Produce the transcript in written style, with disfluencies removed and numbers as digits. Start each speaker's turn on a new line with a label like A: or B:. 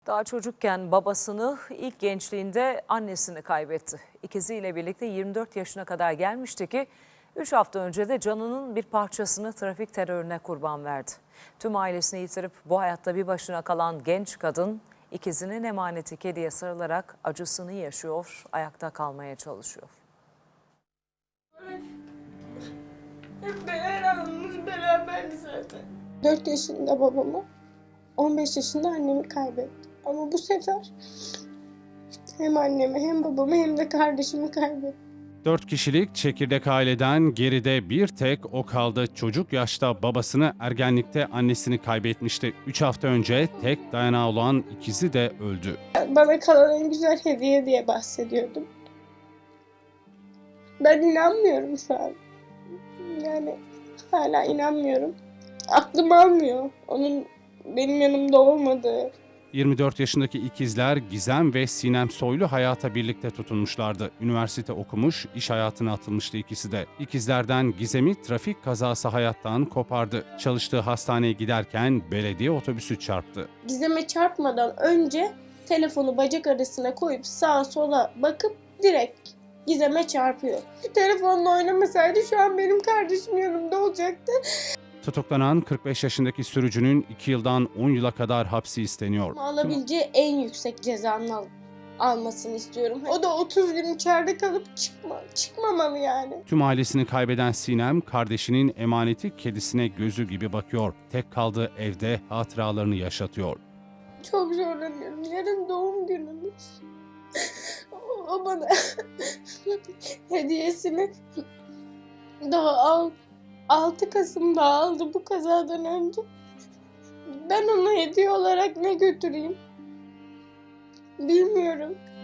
A: Daha çocukken babasını, ilk gençliğinde annesini kaybetti. İkiziyle birlikte 24 yaşına kadar gelmişti ki 3 hafta önce de canının bir parçasını trafik terörüne kurban verdi. Tüm ailesini yitirip bu hayatta bir başına kalan genç kadın ikizinin emaneti kediye sarılarak acısını yaşıyor, ayakta kalmaya çalışıyor.
B: Hep beraber beraberdi zaten.
C: 4 yaşında babamı, 15 yaşında annemi kaybettim. Ama bu sefer hem annemi hem babamı hem de kardeşimi kaybettim.
D: 4 kişilik çekirdek aileden geride bir tek o kaldı. Çocuk yaşta babasını, ergenlikte annesini kaybetmişti. 3 hafta önce tek dayanağı olan ikizi de öldü.
C: Bana kalan en güzel hediye diye bahsediyordum. Ben inanmıyorum şu an. Yani hala inanmıyorum. Aklım almıyor onun benim yanımda olmadığı.
D: 24 yaşındaki ikizler Gizem ve Sinem Soylu hayata birlikte tutunmuşlardı. Üniversite okumuş, iş hayatına atılmıştı ikisi de. İkizlerden Gizem'i trafik kazası hayattan kopardı. Çalıştığı hastaneye giderken belediye otobüsü çarptı.
C: Gizem'e çarpmadan önce telefonu bacak arasına koyup sağa sola bakıp direkt Gizem'e çarpıyor. Telefonla oynamasaydı şu an benim kardeşim yanımda olacaktı.
D: Tutuklanan 45 yaşındaki sürücünün 2 yıldan 10 yıla kadar hapsi isteniyor.
C: Alabileceği en yüksek cezanın almasını istiyorum. O da 30 gün içeride kalıp çıkmamalı yani.
D: Tüm ailesini kaybeden Sinem, kardeşinin emaneti kedisine gözü gibi bakıyor. Tek kaldığı evde hatıralarını yaşatıyor.
C: Çok zorlanıyorum. Yarın doğum günümüz. O bana hediyesini daha 6 Kasım'da aldı bu kazadan önce. Ben ona hediye olarak ne götüreyim? Bilmiyorum.